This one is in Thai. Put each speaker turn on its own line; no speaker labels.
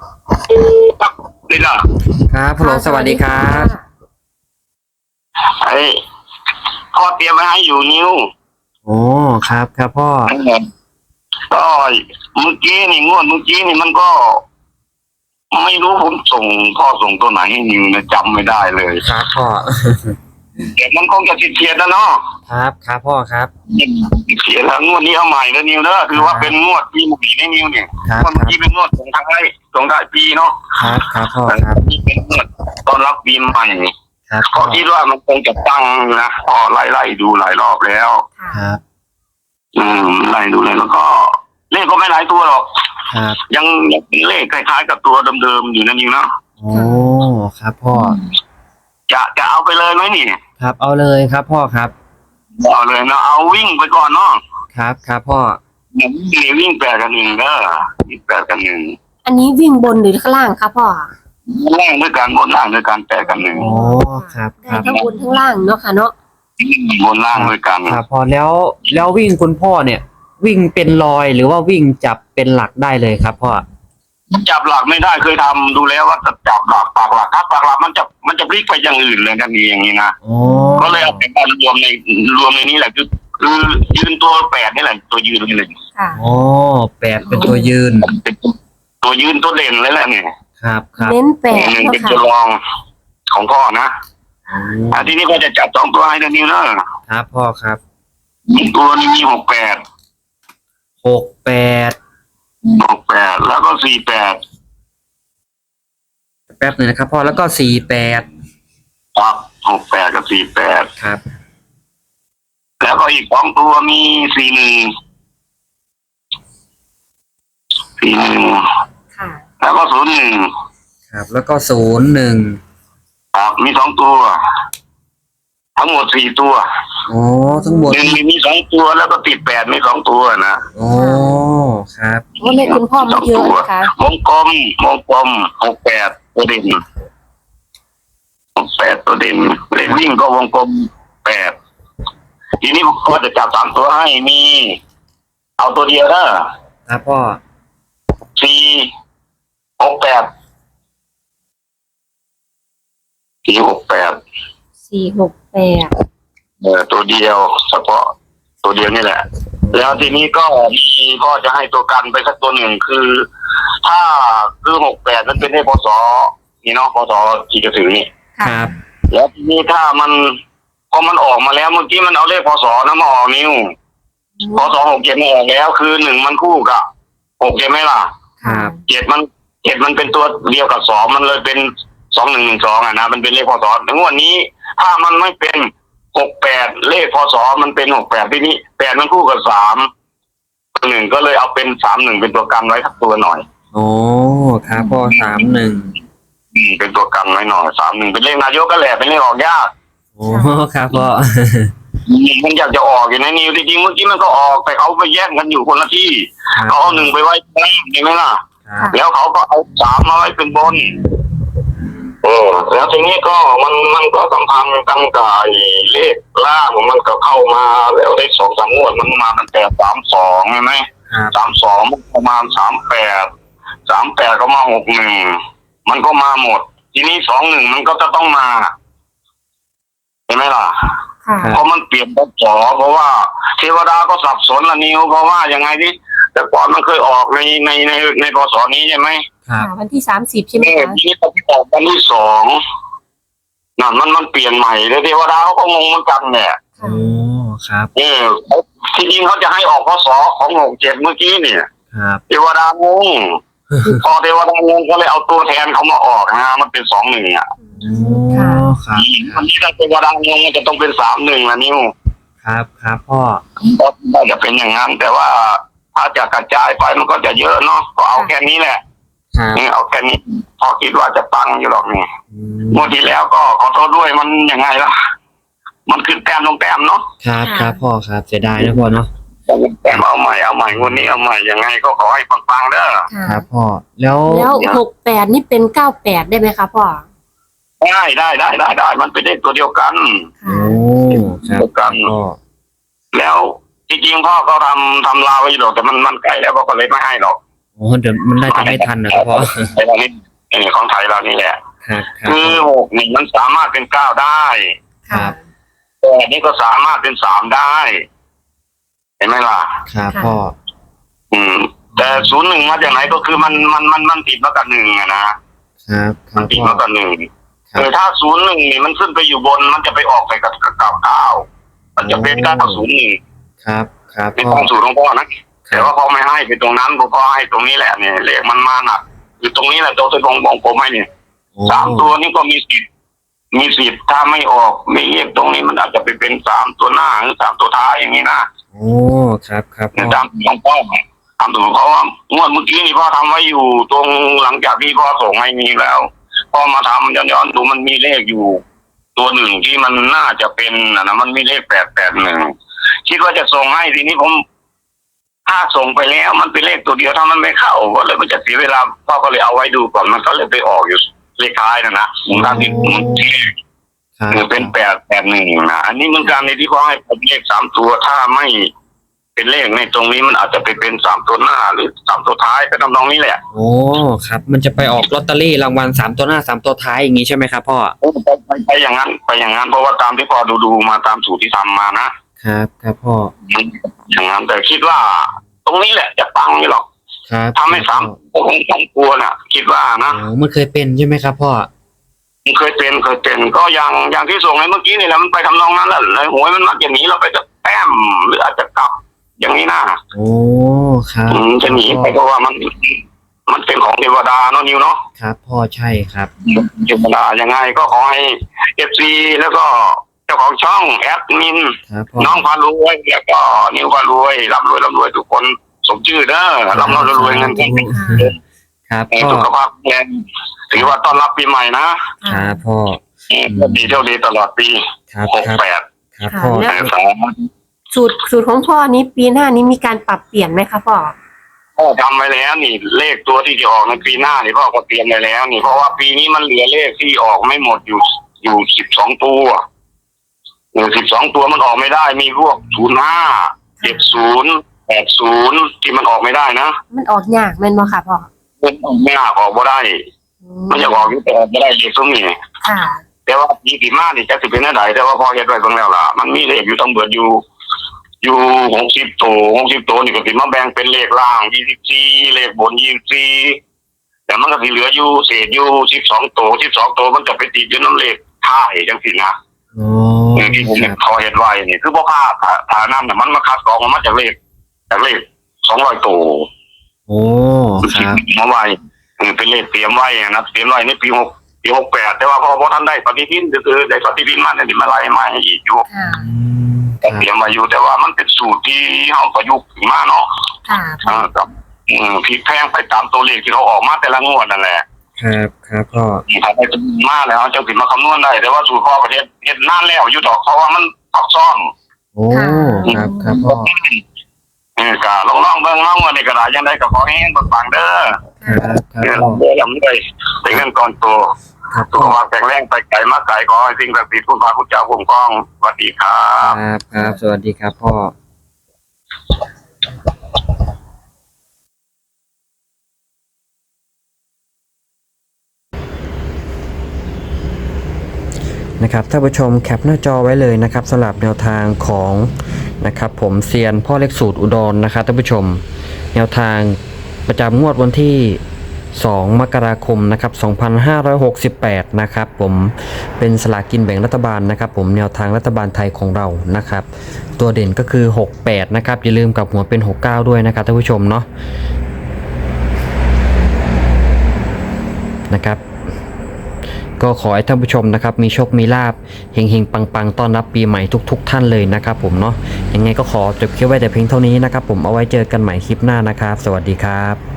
นี่ล่ะ
ครับฮัลโหลสวัสดีครับ
ไอ้พ่อเตรียมไว้ให้อยู่นิ้ว
โอ้ครับครับพ่อ
ก็เมื่อกี้นี่งวดเมื่อกี้นี่มันก็ไม่รู้ผมพ่อส่งตัวไหนให้นิวนะจำไม่ได้เลย
ครับพ่อ
แต่มันคงจะเฉียดแล้วเนาะ
ครับครับพ่อครับ
เฉียดแล้วงวดนี้เอาใหม่แล้วนิวเนอะคือว่าเป็นงวดปีใหม่ในนิวเนี่ยงวดเมื่อกี้เป็นงวดส่งท้ายปีเนาะ
ครับครับพ่อครับ
นี่เป็นงวดต้อนรับปีใหม่
ครับ
ก็คิดว่ามันคงจะตั้งนะพอไล่ดูหลายรอบแล้ว
ครับ
ไล่ดูเลยแล้วก็เลขก็ไม่หลายตัวหรอก
ครับ
ยังเป็นเลขคล้ายๆกับตัวเดิมๆอยู่นั่นเองเนาะ
โอ้ครับพ่อ
จะเอาไปเลยไหมนี่
ครับเอาเลยครับพ่อครับ
เอาเลยนะเอาวิ่งไปก่อนเนาะ
ครับครับพ่อ
วิ่ง8 กับ 1วิ่ง8 กับ 1
อันนี้วิ่งบนหรือข้างล่างครับพ่อ
ล่างด้วยกันบนล่างด้วยกัน8 กับ 1
โอ้ครับครับ
ทั้งบนทั้งล่างเนาะค่ะเนาะ
บนล่างด้วยกัน
ครับพอแล้ววิ่งคุณพ่อเนี่ยวิ่งเป็นรอยหรือว่าวิ่งจับเป็นหลักได้เลยครับพ่อ
จับหลักไม่ได้เคยทำดูแล้วว่าจะจับหลักปากหลักครับปากหลักมันจะพลิกไปอย่างอื่นเลยกันอย่างนี้นะก็เลยเอาไปรวมในนี้แหละคือยืนตัว8นี่แหละตัวยืนนี่เลย
อ๋อ8เป็นตัวยืน
ตัวยืนตัวเด่นเลยแหละเนี่ย
ครับครับ
เน้น8
เป็นตัวรองของพ่อนะทีนี้ก็จะจับ2 ตัวให้นิว
นะครับพ่อครับ
ตัวนี้มี68แล้วก็48
แป๊บหนึ่งนะครับพ่อแล้วก็48
ครับ68กับ48
ครับ
แล้วก็อีก2 ตัวมี41
ค่ะ
แล้วก็01
ครับแล้วก็01
ครับมี2 ตัวทั้งหมด4 ตัว
โอ้ทั้งหมด
มี2 ตัวแล้วก็ติด8มี2 ตัวนะ
โอ้ครับ
ว่าเลขคุณพ่อไม่เยอะนะคะ
วงกลม68ตัวเด่น68ตัวเด่นเลขวิ่งก็วงกลม8ทีนี้ก็จะจับ3 ตัวให้มีเอาตัวเดียว
นะครับพ่อ
468ตัวเดียวเฉพาะตัวเดียวนี่แหละแล้วทีนี้ก็มีพ่อจะให้ตัวกันไปสักตัวหนึ่งคือถ้าคือ68มันเป็นเลขพศนี่เนาะพศที่จะถึงนี่
ครับ
แล้วทีนี้ถ้ามันพอมันออกมาแล้วเมื่อกี้มันเอาเลขพศนะมาออกนิ้วพศ67มาออกแล้วคือ1มันคู่กับ6ใช่ไหมล่ะ
ครับ
7มันเป็นตัวเดียวกับ2มันเลยเป็น2112นะมันเป็นเลขพศในงวดนี้ถ้ามันไม่เป็น68เลขพศมันเป็น68ทีนี้8มันคู่กับ3 1ก็เลยเอาเป็น31เป็นตัวกันไว้สักตัวหน่อย
โอ้ครับพ่อ31
เป็นตัวกันไว้หน่อย31เป็นเลขนายกก็แหละเป็นเลขออกยาก
โอ้ครับพ่อ
มันอยากจะออกอยู่ในนิวจริงๆเมื่อกี้มันก็ออกแต่เขาไปแยกกันอยู่คนละที่เขาเอา1ไปไว้ข้างล่างใช่ไหมล่ะแล้วเขาก็เอา3มาไว้เป็นบนแล้วทีนี้ก็มันก็สัมพันธ์กันกับเลขล่างมันก็เข้ามาแล้วได้2-3 งวดมันมาตั้งแต่32ใช่ไหม32ประมาณ38ก็มา61มันก็มาหมดทีนี้21มันก็จะต้องมาเห็นไหมล่ะเพราะมันเปลี่ยนพศเพราะว่าเทวดาก็สับสนละนิวเพราะว่ายังไงดิแต่ก่อนมันเคยออกในพศนี้ใช่ไหม
วันที่30ใช่ไหมคะ
ทีนี้ต้องออกวันที่2นั่นมันเปลี่ยนใหม่เลยเทวดาเขาก็งงเหมือนกันแหละ
โอ้ครับ
ที่จริงเขาจะให้ออกพศของ67เมื่อกี้เนี่ยเทวดางงพอเทวดางงก็เลยเอาตัวแทนเขามาออกนะมันเป็น21
ครับ
วันนี้ถ้าเทวดางงจะต้องเป็น31ละนิ้ว
ครับพ่อ
ก็จะเป็นอย่างนั้นแต่ว่าถ้าจะกระจายไปมันก็จะเยอะเนาะก็เอาแค่นี้แหละเอาแค่นี้พอคิดว่าจะตั้งอยู่หรอกนี่เมื่อที่แล้วก็ขอโทษด้วยมันยังไงล่ะมันขึ้นแต้มลงแต้มเนาะ
ครับพ่อครับเสียดายนะพ่อเนาะ
แต้มเอาใหม่งวดนี้เอาใหม่ยังไงก็ขอให้ปังๆเด้อ
ครับพ่อแล้ว
68นี่เป็น98ได้ไหมคะพ่อ
ได้มันเป็นเลขตัวเดียวกัน
โอ้ครับ
กันแล้วจริงๆพ่อก็ทำลาวไว้อยู่หรอกแต่มันใกล้แล้วก็เลยไม่ให้หรอก
โอ้เดี๋ยวมันน่าจะไม่ทันนะครับพ่อ
ไอ้เรานี่ของไทยเรานี่แหละ
ครับครับ
คือ6นี่มันสามารถเป็น9ได้
ครับ
8นี่ก็สามารถเป็น3ได้ เห็นไหมล่ะ
ครับพ่อ
แต่01มาจากไหนก็คือมันติดมากับ1อะนะครับ
ครับ
ติด
พ่อ
มากับ1
ครับ
ถ้า01นี่มันขึ้นไปอยู่บนมันจะไปออกไปกับ9มันจะเป็น901
ครับครับ
เป็น
พ่อ
ความสูตรของพ่อนะแต่ว่าพ่อไม่ให้ไปตรงนั้นพ่อให้ตรงนี้แหละเนี่ยเลขมันมาหนักอยู่ตรงนี้แหละตัวที่ของผมให้เนี่ย
โอ้
3ตัวนี้ก็มีสิทธิ์ถ้าไม่ออกไม่เรียกตรงนี้มันอาจจะไปเป็น3ตัวหน้าหรือ3ตัวท้ายอย่างนี้นะ
โอ้ครับครับพ่อ
ตามของพ่อตามตัวเขาว่างวดเมื่อกี้นี่พ่อทำไว้อยู่ตรงหลังจากที่พ่อส่งให้มีแล้วพ่อมาทำย้อนดูมันมีเลขอยู่ ตัวหนึ่งที่มันน่าจะเป็นนะมันมีเลข881คิดว่าจะส่งให้ทีนี้ผมถ้าส่งไปแล้วมันเป็นเลขตัวเดียวถ้ามันไม่เข้าก็เลยมันจะเสียเวลาพ่อก็เลยเอาไว้ดูก่อนมันก็เลยไปออกอยู่เลขท้ายนะผมทำที่
ครับ
เป็น881นะอันนี้เหมือนกันในที่พ่อให้ผมเลข3ตัวถ้าไม่เป็นเลขในตรงนี้มันอาจจะไปเป็น3ตัวหน้าหรือ3ตัวท้ายก็ทำนองนี้แหละ
โอ้ครับมันจะไปออกลอตเตอรี่รางวัล3ตัวหน้า3ตัวท้ายอย่างนี้ใช่ไหมครับพ่อ
ไปอย่างนั้นเพราะว่าตามที่พ่อดูมาตามสูตรที่ทำมานะครับ
ครับพ่อ
อย่างนั้นแต่คิดว่า ตรงนี้แหละจะปังไม่หรอก
ครับ
ทำให้3คงต้องกลัวน่ะ คิดว่านะ
โอ้มันเคยเป็นใช่ไหมครับพ่อ
เคยเป็นก็อย่างที่ส่งในเมื่อกี้นี่แหละมันไปทำนองนั้นแหละเลยหวยมันมักจะหนีเราไปจะแต้มหรืออาจจะกลับ อย่างนี้นะ
โอ้ครับ
จะหนีไปเพราะว่ามันเป็นของเทวดาเนาะนิวเนาะ
ครับพ่อใช่ครับ
เทวดายังไงก็ขอให้FCแล้วก็เจ้าของช่องแอดมิน
ครับพ่อ
น้องพารวยแล้วก็นิวพารวยร่ำรวยทุกคนสมชื่อเด้อร่ำรวยเงินเก่ง
ครับพ่อ
สุขภาพแข็งถือว่าต้อนรับปีใหม่นะครับ
พ่อ
ดีเท่าดีตลอดปี
ครับครับ
68
ครับพ่อ
สูตรของพ่อนี้ปีหน้านี้มีการปรับเปลี่ยนไหมคะพ่อ
พ่อทำไว้แล้วนี่เลขตัวที่จะออกในปีหน้านี่พ่อก็เตรียมไว้แล้วนี่เพราะว่าปีนี้มันเหลือเลขที่ออกไม่หมดอยู่12ตัว12ตัวมันออกไม่ได้มีพวก05 70 80ที่มันออกไม่ได้นะ
มันออกยากแม่นบ่ค่ะพ่อ
มันออกไม่ออกบ่ได้มันจะออกอยู่แต่ออกไม่ได้เลขตรงนี้
ค่ะ
แต่ว่าปีที่มานี่จะสิเป็นอะไรแต่ว่าพอเฮ็ดไว้ตรงแล้วล่ะมันมีเลขอยู่ทั้งเบิดอยู่60ตัวนี่ก็สิมาแบ่งเป็นเลขล่าง24เลขบน24แต่มันก็สิเหลืออยู่เศษอยู่12ตัวมันจะไปติดอยู่น้ำเลขท้ายจังซี่นะ
โอ้
ที่ผม
ครับ
ขอเฮ็ดไว้นี่คือบ่พลาดถ้านำน่ะมันมาคัดกรองมาจากเลข200ตัว
โอ้ครับ
มาไว้เป็นเลขเตรียมไว้นะเตรียมไว้ในปี68แต่ว่าพอท่านได้ปฏิทินคือได้ปฏิทินมาเนี่ยมาไล่มาให้อีกอยู่
ค่ะ
ครับ
เตรียมมาอยู่แต่ว่ามันเป็นสูตรที่เขาประยุกต์ขึ้นมาเนาะ
ค่ะพ่อ
กับพลิกแพงไปตามตัวเลขที่เขาออกมาแต่ละงวดนั่นแหละ
ครับครับพ่อ
ถ้าได้จำนวนมากแล้วจะถึงมาคำนวณได้แต่ว่าสูตรพ่อประเทศเฮ็ดนานแล้วอยู่ดอกเพราะว่ามันซับซ้อน
โอ้ครับครับพ่อ
ก็ลองเบิ่งเนาะว่าในกระดาษยังได้ก็ขอให้ปังๆเด้อ
ครับครับ
เดี๋ยว
พ่อ
ลำด้วยเป็นเงินก่อนโต
ครับ
สุ
พ่
ข
อ
ภาพแข็งแรงไปไกลมาไกลขอให้สิ่งศักดิ์สิทธิ์คุณพระคุณเจ้าคุ้มครองสวัสดีครั
ครับ บครับสวัสดีครับพ่อนะครับท่านผู้ชมแคปหน้าจอไว้เลยนะครับสำหรับแนวทางของนะครับผมเซียนพ่อเล็กสูตรอุดรนะครับท่านผู้ชมแนวทางประจำงวดวันที่2 มกราคมนะครับ2568นะครับผมเป็นสลากกินแบ่งรัฐบาลนะครับผมแนวทางรัฐบาลไทยของเรานะครับตัวเด่นก็คือ68นะครับอย่าลืมกับหัวเป็น69ด้วยนะครับท่านผู้ชมเนาะนะครับก็ขอให้ท่านผู้ชมนะครับมีโชคมีลาภเฮงๆปังๆต้อนรับปีใหม่ทุกท่านเลยนะครับผมเนาะยังไงก็ขอจบคลิปไว้แต่เพียงเท่านี้นะครับผมเอาไว้เจอกันใหม่คลิปหน้านะครับสวัสดีครับ